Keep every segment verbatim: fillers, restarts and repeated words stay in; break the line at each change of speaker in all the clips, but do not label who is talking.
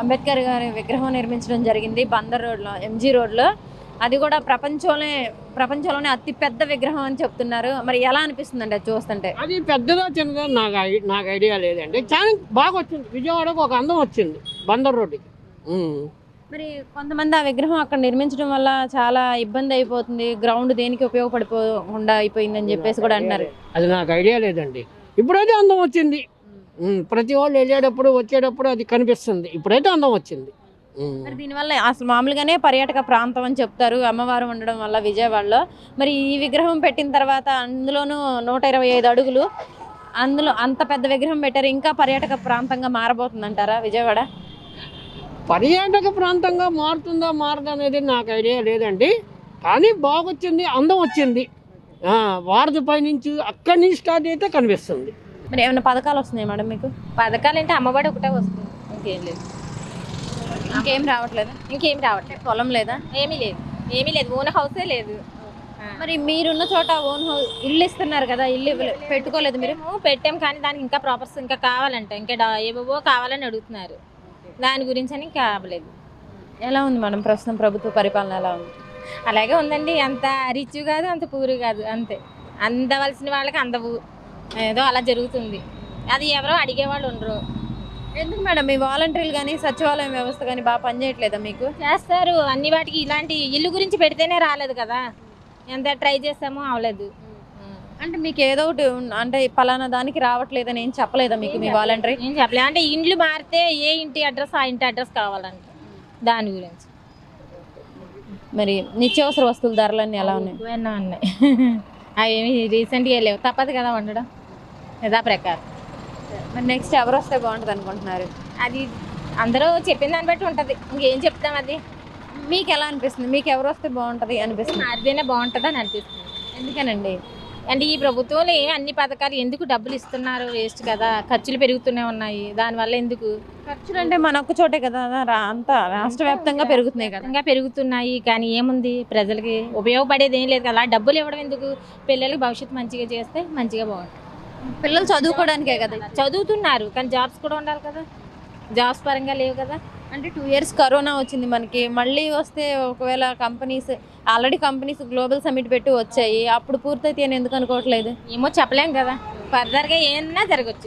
అంబేద్కర్ గారి విగ్రహం నిర్మించడం జరిగింది బందర్ రోడ్లో, ఎంజీ రోడ్లో. అది కూడా ప్రపంచంలోనే ప్రపంచంలోనే అతి పెద్ద విగ్రహం అని చెప్తున్నారు. మరి ఎలా అనిపిస్తుందండి అది చూస్తుంటే?
అది పెద్దదా చిన్నదా నాకు ఐ- నాకు ఐడియా లేదండి. చాలా బాగా వచ్చింది. విజయవాడకు ఒక అందం వచ్చింది బందర్ రోడ్డుకి. ఉమ్.
మరి కొంతమంది ఆ విగ్రహం అక్కడ నిర్మించడం వల్ల చాలా ఇబ్బంది అయిపోతుంది, గ్రౌండ్ దేనికి ఉపయోగపడిపోకుండా అయిపోయిందని చెప్పేసి కూడా అంటున్నారు.
అది నాకు ఐడియా లేదండి. ఇప్పుడైతే అందం వచ్చింది. ఉమ్. ప్రతి వాళ్ళు వెళ్ళేటప్పుడు వచ్చేటప్పుడు అది కనిపిస్తుంది. ఇప్పుడైతే అందం వచ్చింది. ఉమ్.
మరి దీనివల్ల అసలు మామూలుగానే పర్యాటక ప్రాంతం అని చెప్తారు అమ్మవారు ఉండడం వల్ల విజయవాడలో. మరి ఈ విగ్రహం పెట్టిన తర్వాత అందులోనూ నూట ఇరవై ఐదు అడుగులు, అందులో అంత పెద్ద విగ్రహం పెట్టారు, ఇంకా పర్యాటక ప్రాంతంగా మారబోతుందంటారా విజయవాడ?
పర్యాటక ప్రాంతంగా మారుతుందా మారదా అనేది నాకు ఐడియా లేదండి. కానీ బాగొచ్చింది, అందం వచ్చింది. ఆ, వారధి పైనుంచి అక్కడి నుంచి స్టార్ట్ అయితే కనిపిస్తుంది.
మరి ఏమైనా పథకాలు వస్తున్నాయి మేడం మీకు?
పథకాలు అంటే అమ్మఒడి ఒకటే వస్తుంది, ఇంకేం లేదు.
ఇంకేం రావట్లేదా?
ఇంకేం రావట్లేదు.
పొలం లేదా?
ఏమీ లేదు, ఏమీ లేదు. ఓన్ హౌసే లేదు.
మరి మీరున్న చోట ఓన్ హౌస్ ఇల్లు ఇస్తున్నారు కదా, ఇల్లు ఇవ్వలే- పెట్టుకోలేదు మీరు?
మేము పెట్టాం కానీ దానికి ఇంకా ప్రాపర్స్ ఇంకా కావాలంట, ఇంకా డా- ఏవేవో కావాలని అడుగుతున్నారు. దాని గురించి అని ఇంకా అవ్వలేదు.
ఎలా ఉంది మేడం ప్రస్తుతం ప్రభుత్వ పరిపాలన ఎలా ఉంది?
అలాగే ఉందండి. అంత రిచ్ కాదు, అంత పూరు కాదు, అంతే. అందవలసిన వాళ్ళకి అందవు, ఏదో అలా జరుగుతుంది. అది ఎవరో అడిగేవాళ్ళు ఉండరు.
ఎందుకు మేడం మీ వాలంటీర్లు కానీ సచివాలయం వ్యవస్థ కానీ బాగా పనిచేయట్లేదా మీకు?
చేస్తారు అన్ని వాటికి. ఇలాంటి ఇల్లు గురించి పెడితేనే రాలేదు కదా, ఎంత ట్రై చేసామో అవలేదు.
అంటే మీకు ఏదో ఒకటి ఉన్- అంటే పలానా దానికి రావట్లేదని ఏం చెప్పలేదా మీకు మీ వాలంటీర్?
ఏం చెప్పలేదు. అంటే ఇండ్లు మారితే ఏ ఇంటి అడ్రస్ ఆ ఇంటి అడ్రస్ కావాలంట, దాని గురించి.
మరి నిత్యావసర వస్తువుల ధరలన్నీ ఎలా ఉన్నాయి?
ఎక్కువైనా ఉన్నాయి. అవి ఏమి రీసెంట్గా లేవు, తప్పదు కదా వండడం, యథా ప్రకారం.
మరి నెక్స్ట్ ఎవరు వస్తే బాగుంటుంది అనుకుంటున్నారు?
అది అందరూ చెప్పిన దాన్ని బట్టి ఉంటుంది, ఇంకేం చెప్తాం. అది
మీకు ఎలా అనిపిస్తుంది? మీకు ఎవరు వస్తే బాగుంటుంది అనిపిస్తుంది?
మారితేనే బాగుంటుంది అని అనిపిస్తుంది.
ఎందుకనండి?
అంటే ఈ ప్రభుత్వంలో ఏమి అన్ని పథకాలు ఎందుకు డబ్బులు ఇస్తున్నారు, వేస్ట్ కదా. ఖర్చులు పెరుగుతూనే ఉన్నాయి, దానివల్ల ఎందుకు
ఖర్చులు అంటే మన ఒక్క చోటే కదా, రా- అంతా రాష్ట్ర వ్యాప్తంగా పెరుగుతున్నాయి కదా.
ఇంకా పెరుగుతున్నాయి. కానీ ఏముంది, ప్రజలకి ఉపయోగపడేది ఏం లేదు కదా. డబ్బులు ఇవ్వడం ఎందుకు? పిల్లలకి భవిష్యత్తు మంచిగా చేస్తే మంచిగా బాగుంటుంది.
పిల్లలు చదువుకోవడానికే కదా.
చదువుతున్నారు కానీ జాబ్స్ కూడా ఉండాలి కదా, జాబ్స్ పరంగా లేవు కదా.
అంటే టూ ఇయర్స్ కరోనా వచ్చింది మనకి, మళ్ళీ వస్తే ఒకవేళ companies already companies global summit పెట్టి వచ్చాయి, అప్పుడు పూర్తయితే అని ఎందుకు అనుకోవట్లేదు?
ఏమో చెప్పలేం కదా, ఫర్దర్గా ఏమన్నా జరగచ్చు.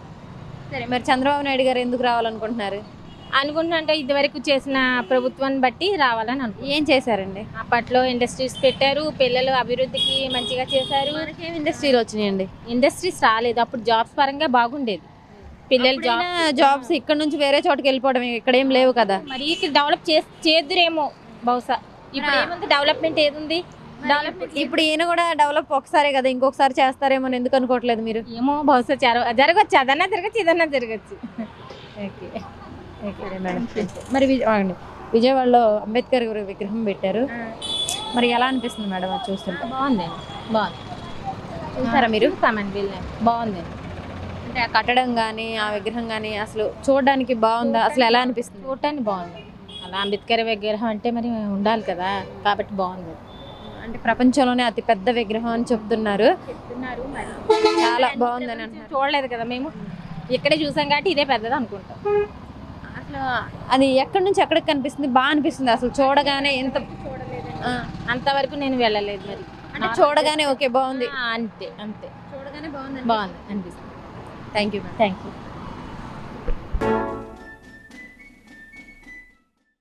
సరే, మరి చంద్రబాబు నాయుడు గారు ఎందుకు రావాలనుకుంటున్నారు?
అనుకుంటున్నా ఇదివరకు చేసిన ప్రభుత్వాన్ని బట్టి రావాలని అనుకుంటున్నాను.
ఏం చేశారండి?
అప్పట్లో ఇండస్ట్రీస్ పెట్టారు, పిల్లలు అభివృద్ధికి మంచిగా చేశారు.
మనకేం ఇండస్ట్రీలు వచ్చినాయండి?
ఇండస్ట్రీస్ రాలేదు, అప్పుడు జాబ్స్ పరంగా బాగుండేది. పిల్లలు జాబ్
జాబ్స్ ఇక్కడ నుంచి వేరే చోటుకి వెళ్ళిపోవడం, ఇక్కడ ఏం లేవు కదా.
మరి ఇక్కడ డెవలప్ చే చేద్దురేమో బహుశా. ఇప్పుడు ఏముంది, డెవలప్మెంట్ ఏదుంది? డెవలప్మెంట్
ఇప్పుడు ఈయన కూడా డెవలప్ ఒకసారి కదా, ఇంకొకసారి చేస్తారేమో అని ఎందుకు అనుకోవట్లేదు మీరు?
ఏమో బహుశా జర- జరగచ్చు, అదన్నా జరగచ్చు, ఇదన్నా జరగచ్చు. ఓకే,
సరే మేడం. మరి విజయ ఆగండి. విజయవాడలో అంబేద్కర్ గారి విగ్రహం పెట్టారు, మరి ఎలా అనిపిస్తుంది మేడం అది చూస్తుంటే?
బాగుందండి, బాగుంది.
చూసారా మీరు?
చూసామండి, వెళ్ళాను, బాగుందండి.
అంటే ఆ కట్టడం కానీ ఆ విగ్రహం కానీ అసలు చూడడానికి బాగుందా? అసలు ఎలా అనిపిస్తుంది?
చూడటానికి బాగుంది. అలా అంబేద్కర్ విగ్రహం అంటే మరి ఉండాలి కదా, కాబట్టి బాగుంది.
అంటే ప్రపంచంలోనే అతి పెద్ద విగ్రహం అని చెప్తున్నారు,
చెప్తున్నారు మరి.
చాలా బాగుందని అంటున్నారు.
చూడలేదు కదా మేము, ఇక్కడే చూసాం కాబట్టి ఇదే పెద్దది అనుకుంటాం.
అసలు అది ఎక్కడి నుంచి ఎక్కడికి కనిపిస్తుంది? బాగా అనిపిస్తుంది అసలు చూడగానే. ఎంత ఆ,
అంతవరకు నేను వెళ్ళలేదు మరి.
అంటే చూడగానే ఓకే బాగుంది,
ఆ, అంతే అంతే,
చూడగానే బాగుంది
బాగుంది అనిపిస్తుంది.
Thank you.
Thank you.